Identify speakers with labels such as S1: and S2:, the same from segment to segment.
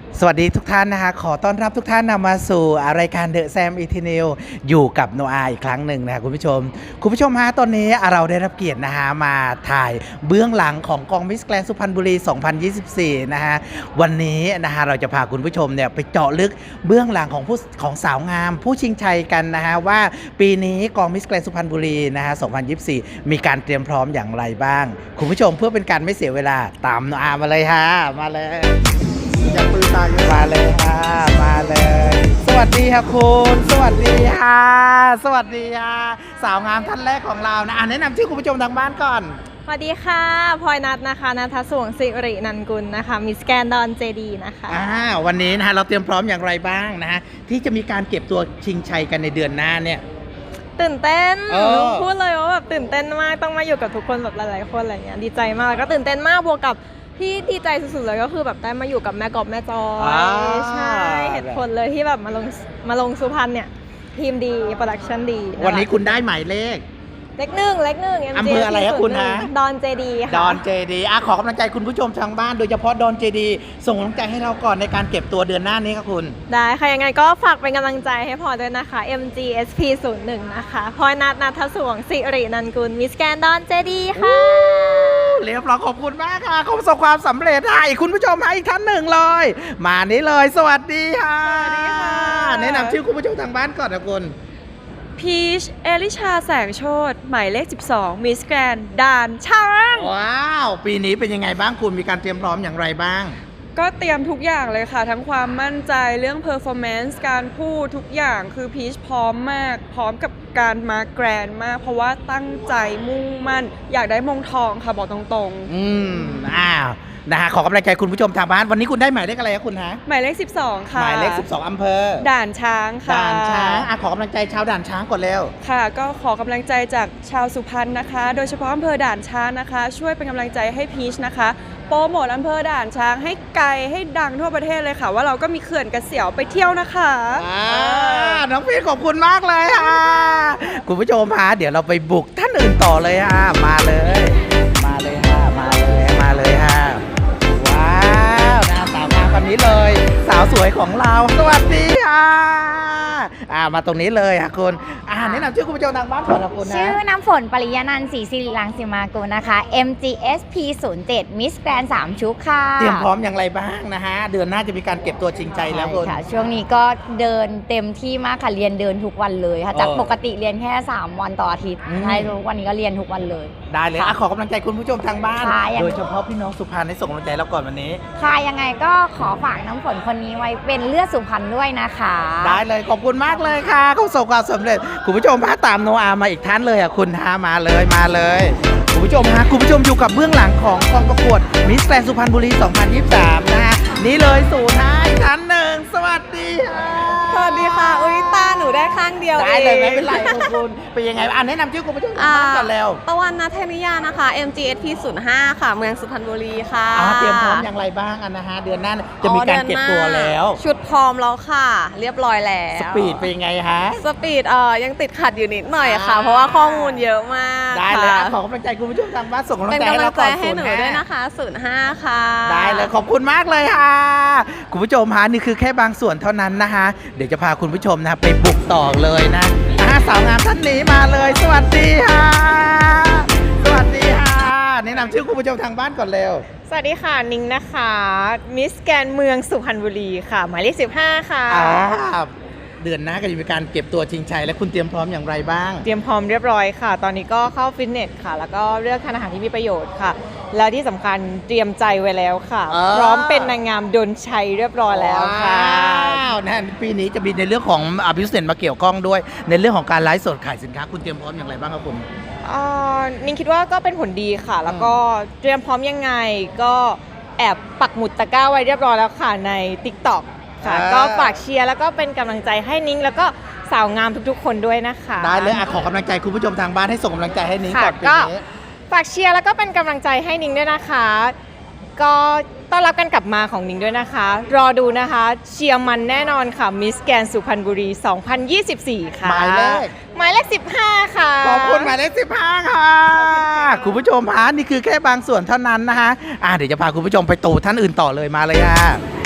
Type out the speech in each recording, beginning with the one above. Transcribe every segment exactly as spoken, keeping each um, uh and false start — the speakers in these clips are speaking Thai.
S1: สวัสดีทุกท่านนะคะขอต้อนรับทุกท่านนำมาสู่รายการเดอะแซมอีทีนิวอยู่กับโนอาอีกครั้งหนึ่งนะคะคุณผู้ชมคุณผู้ชมฮะตอนนี้เราได้รับเกียรตินะฮะมาถ่ายเบื้องหลังของกองมิสแกรนด์สุพรรณบุรี สองพันยี่สิบสี่ นะฮะวันนี้นะฮะเราจะพาคุณผู้ชมเนี่ยไปเจาะลึกเบื้องหลังของผู้ของสาวงามผู้ชิงชัยกันนะฮะว่าปีนี้กองมิสแกรนด์สุพรรณบุรีนะฮะ สองพันยี่สิบสี่ มีการเตรียมพร้อมอย่างไรบ้างคุณผู้ชมเพื่อเป็นการไม่เสียเวลาตามโนอามาเลยฮะมาเลยอย่าปืนตายมาเลยค่ะมาเลย สวัสดีค่ะคุณสวัสดีค่ะสวัสดีค่ะสาวงามท่านแรกของเรานะอ่ะแนะนำชื่อคุณผู้ชมทางบ้านก่อน
S2: สวัสดีค่ะพลอยนัทนะคะนัทสวงศิรินันกุลนะคะมิสแกนดอนเจดีนะคะ
S1: อ่าวันนี้นะฮะเราเตรียมพร้อมอย่างไรบ้างนะฮะที่จะมีการเก็บตัวชิงชัยกันในเดือนหน้าเนี่ย
S2: ตื่นเต้น
S1: เออ
S2: พูดเลยว่าแบบตื่นเต้นมากต้องมาอยู่กับทุกคนแบบหลายๆคนอะไรเงี้ยดีใจมากแล้วก็ตื่นเต้นมากบวกกับที่ดีใจสุดๆเลยก็คือแบบได้มาอยู่กับแม่กอบแม่จอยใช่เหตุผลเลยที่แบบมาลงมาลงสุพรรณเนี่ยทีมดีโปรดักชั่นดี
S1: วันนี้คุณได้หมายเลข
S2: เล็กหนึ่งเล็กหนึ่ง
S1: อำเภออะไรครับคุณฮะ
S2: ดอนเจดีค่ะ
S1: ดอนเจดีอ่ะขอกำลังใจคุณผู้ชมทางบ้านโดยเฉพาะดอนเจดีส่งกำลังใจให้เราก่อนในการเก็บตัวเดือนหน้านี้ครับคุณ
S2: ได้ค่ะยังไงก็ฝากเป็นกำลังใจให้พลอยด้วยนะคะ เอ็ม จี เอส พี ศูนย์หนึ่ง นะคะพลอยนัทนัทสวงศิรินันกุลมิสแกนดอนเจดีค่ะ
S1: เรียบร้อยขอบคุณมากค่ะขอประสบความสำเร็จให้คุณผู้ชมให้อีกท่านหนึ่งเลยมานี้เลยสวัสดีค่ะ
S2: สวัสดีค่ะ
S1: แนะนำชื่อคุณผู้ชมทางบ้านก่อนนะคุณ
S3: พีชเอลิชาแสงโชติหมายเลขสิบสองมิสแกรนด์ด่านช้าง
S1: ว้าวปีนี้เป็นยังไงบ้างคุณมีการเตรียมพร้อมอย่างไรบ้าง
S3: ก็เตรียมทุกอย่างเลยค่ะทั้งความมั่นใจเรื่องเพอร์ฟอร์แมนซ์การพูดทุกอย่างคือพีชพร้อมมากพร้อมกับการมาแกรนด์มากเพราะว่าตั้งใจมุ่งมั่นอยากได้มงทองค่ะบอกตรง
S1: ๆอืมอ้าวนะฮะขอกำลังใจคุณผู้ชมทางบ้านวันนี้คุณได้หมายเลขอะไรครับคุณฮะ
S3: หมายเลขสิบสองค่ะ
S1: หมายเลขสิบสองอำเภอ
S3: ด่านช้างค่ะ
S1: ด่านช้างอ่ะขอกำลังใจชาวด่านช้างก่อนเร็ว
S3: ค่ะก็ขอกำลังใจจากชาวสุพรรณนะคะโดยเฉพาะอำเภอด่านช้างนะคะช่วยเป็นกำลังใจให้พีชนะคะโปรโมทอำเภอด่านช้างให้ไกลให้ดังทั่วประเทศเลยค่ะว่าเราก็มีเขื่อนกระเสียวไปเที่ยวนะคะ
S1: อ่าน้องพีชขอบคุณมากเลยค่ะคุณผู้ชมฮะเดี๋ยวเราไปบุกท่านอื่นต่อเลยค่ะมาเลยมาเลยค่ะมาเลยมาเลยค่ะว้าวนะสาวงามคนนี้เลยสาวสวยของเราสวัสดีค่ะอ่ามาตรงนี้เลยค่ะคุณอ่าแนะนำชื่อคุณผู้ชมทางบ้านก่อนนะคุณนะ
S4: ชื่อน้ำฝนปริยานันท์ศรีสิริรังสิมากุลนะคะ เอ็ม จี เอส พี ศูนย์เจ็ด Miss Grand สามชุกค่ะ
S1: เตรียมพร้อมอย่างไรบ้างนะฮะเดือนหน้าจะมีการเก็บตัวชิงใจแล้วคุณ
S4: ค่ะช่วงนี้ก็เดินเต็มที่มากค่ะเรียนเดินทุกวันเลยค่ะจากปกติเรียนแค่สามวันต่ออาทิตย์ใช่ทุกวันนี้ก็เรียนทุกวันเลย
S1: ได้เลยขอกำลังใจคุณผู้ชมทางบ้านโดยเฉพาะพี่น้องสุพรรณให้ส่งกำลังใจเราก่อนวันนี้
S4: ค่ะยังไงก็ขอฝากน้ำฝนคนนี้ไว้เป็นเลือดสุพรรณด้วยนะคะ
S1: ได้เลยขอบคุณมากเลยค่ะเขาประสบความสำเร็จคุณผู้ชมพาตามโนอามาอีกท่านเลยอ่ะคุณฮะมาเลยมาเลยคุณผู้ชมฮะคุณผู้ชมอยู่กับเบื้องหลังของกองประกวดมิสแกรนด์สุพรรณบุรี สองพันยี่สิบสาม นะฮะนี่เลยสู่ท้ายท่านหนึ่งสวัสดีค่ะ
S2: สวัสดีค่ะอุ้ยตาหนูได้ข้างเดียว
S1: ได้เลยไม่เป็นไรขอบคุณเป็นยังไงอ่ะแนะนำชื่อคุณผู้ชมทางบ้านก่อนแล้ว
S2: ตะวันนัทเทนิยานะคะ เอ็ม จี เอส พี ศูนย์ห้า ค่ะเมืองสุพรรณบุรีค่ะ
S1: เตรียมพร้อมอย่างไรบ้างนะฮะเดือนหน้าจะมีการเก็บตัวแล้ว
S2: ชุดพร้อมแล้วค่ะเรียบร้อยแล้ว
S1: สปีดเป็นยังไงฮะ
S2: สปีดเอ่อยังติดขัดอยู่นิดหน่อยค่ะเพราะว่าข้อมูลเยอะมาก
S1: ได้เลยขอกำลังใจคุณผู้ชมทางบ้านส่งกำลังใจให้เราก่อน
S2: ให้หนูด้วยนะคะศูนย์ห้าค่ะ
S1: ได้เลยขอบคุณมากเลยค่ะคุณผู้ชมฮะนี่คือแค่บางส่วนเท่านั้นนะคะเดี๋ยวจะพาคุณผู้ชมนะไปบุกต่อเลยนะสาวงามท่านนี้มาเลยสวัสดีค่ะสวัสดีค่ะแนะนำชื่อคุณผู้ชมทางบ้านก่อนเร็ว
S2: สวัสดีค่ะนิ้งนะคะมิสแกรนด์เมืองสุพรรณบุรีค่ะหมายเลขสิบห้าค่ะ
S1: เดือนหน้าก็จะมีการเก็บตัวชิงชัยและคุณเตรียมพร้อมอย่างไรบ้าง
S2: เตรียมพร้อมเรียบร้อยค่ะตอนนี้ก็เข้าฟิตเนสค่ะแล้วก็เลือกทานอาหารที่มีประโยชน์ค่ะแล้วที่สำคัญเตรียมใจไว้แล้วค่ะพร้อมเป็นนางงามดลชัยเรียบร้อยแล้วค่ะ
S1: นะปีนี้จะมีในเรื่องของอภิเษกมาเกี่ยวข้องด้วยในเรื่องของการไลฟ์สดขายสินค้าคุณเตรียมพร้อมอย่างไรบ้างครับคุณ
S2: นิ้งคิดว่าก็เป็นผลดีค่ะแล้วก็เตรียมพร้อมยังไงก็แอบปักหมุดตะกร้าไว้เรียบร้อยแล้วค่ะใน ติ๊กต็อกค่ะก็ฝากเชียร์แล้วก็เป็นกำลังใจให้นิ้งแล้วก็สาวงามทุกๆคนด้วยนะคะ
S1: ได้เลยอ่ะขอกำลังใจคุณผู้ชมทางบ้านให้ส่งกำลังใจให้นิ้งก่อนปีนี้
S2: ฝากเชียร์แล้วก็เป็นกำลังใจให้นิ้งด้วยนะคะก็ต้อนรับกันกลับมาของนิ้งด้วยนะคะรอดูนะคะเชียร์มันแน่นอนค่ะมิสแกรนด์สุพรรณบุรี สองพันยี่สิบสี่ ค่ะ
S1: หมายเลข
S2: หมายเลขสิบห้าค่ะ
S1: ขอบคุณหมายเลขสิบห้าค่ะคุณผู้ชมฮะนี่คือแค่บางส่วนเท่านั้นนะคะอ่ะเดี๋ยวจะพาคุณผู้ชมไปตู่ท่านอื่นต่อเลยมาเลยค่ะ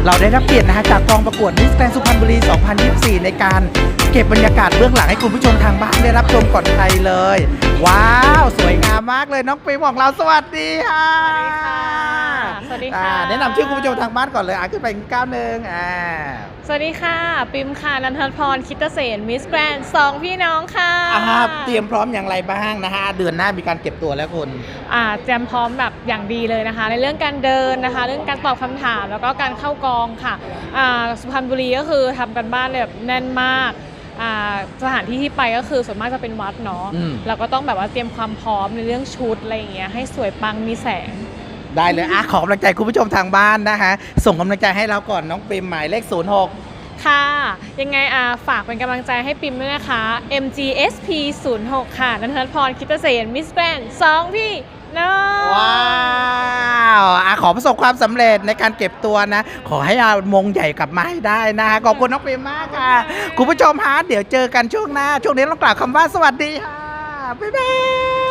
S1: เราได้รับเกียรตินะฮะจากกองประกวดมิสแกรนด์สุพรรณบุรี สองพันยี่สิบสี่ ในการเก็บบรรยากาศเบื้องหลังให้คุณผู้ชมทางบ้านได้รับชมก่อนใครเลย ว้าว สวยงามมากเลยน้องปิมของเราสวัสดีค่ะ
S5: สวัสดีค่ะ
S1: อ่าแนะนำชื่อคุณผู้ชมทางบ้านก่อนเลยอ่ะขึ้นไปอีกก้าวหนึ่งอ่า
S5: สวัสดีค่ะ ปิมค่ะ นันทพร คิตเสนมิสแกรนด์สองพี่น้องค่ะ
S1: อ่าเตรียมพร้อมอย่างไรบ้างนะฮะเดือนหน้ามีการเก็บตัวแล้วคุณ
S5: อ่าเตรียมพร้อมแบบอย่างดีเลยนะคะ ในเรื่องการเดินนะคะ เรื่องการตอบคำถามแล้วก็การเข้ากองค่ะอ่าสุพรรณบุรีก็คือทำกันบ้านแบบแน่นมากอ่าสถานที่ที่ไปก็คือส่วนมากจะเป็นวัดเนาะ
S1: อืม
S5: เราก็ต้องแบบว่าเตรียมความพร้อมในเรื่องชุดอะไรอย่างเงี้ยให้สวยปังมีแสง
S1: ได้เลยอ่ะขอกำลังใจคุณผู้ชมทางบ้านนะคะส่งกำลังใจให้เราก่อนน้องปิมหมายเลขศูนย์หก
S5: ค่ะ ยังไงอ่าฝากเป็นกำลังใจให้ปิมด้วยนะคะ เอ็ม จี เอส พี ศูนย์หก ค่ะ นันทพร คิตเสนมิสแกรนด์สองพี่น้อง
S1: ว้าวอ่ะขอประสบความสำเร็จในการเก็บตัวนะ ขอให้เอามงใหญ่กลับมาให้ได้นะขอบคุณน้องปิมมากค่ะ คุณผู้ชมฮะเดี๋ยวเจอกันช่วงหน้า ช่วงนี้ต้องกล่าวคำว่าสวัสดีค่ะ บ๊ายบาย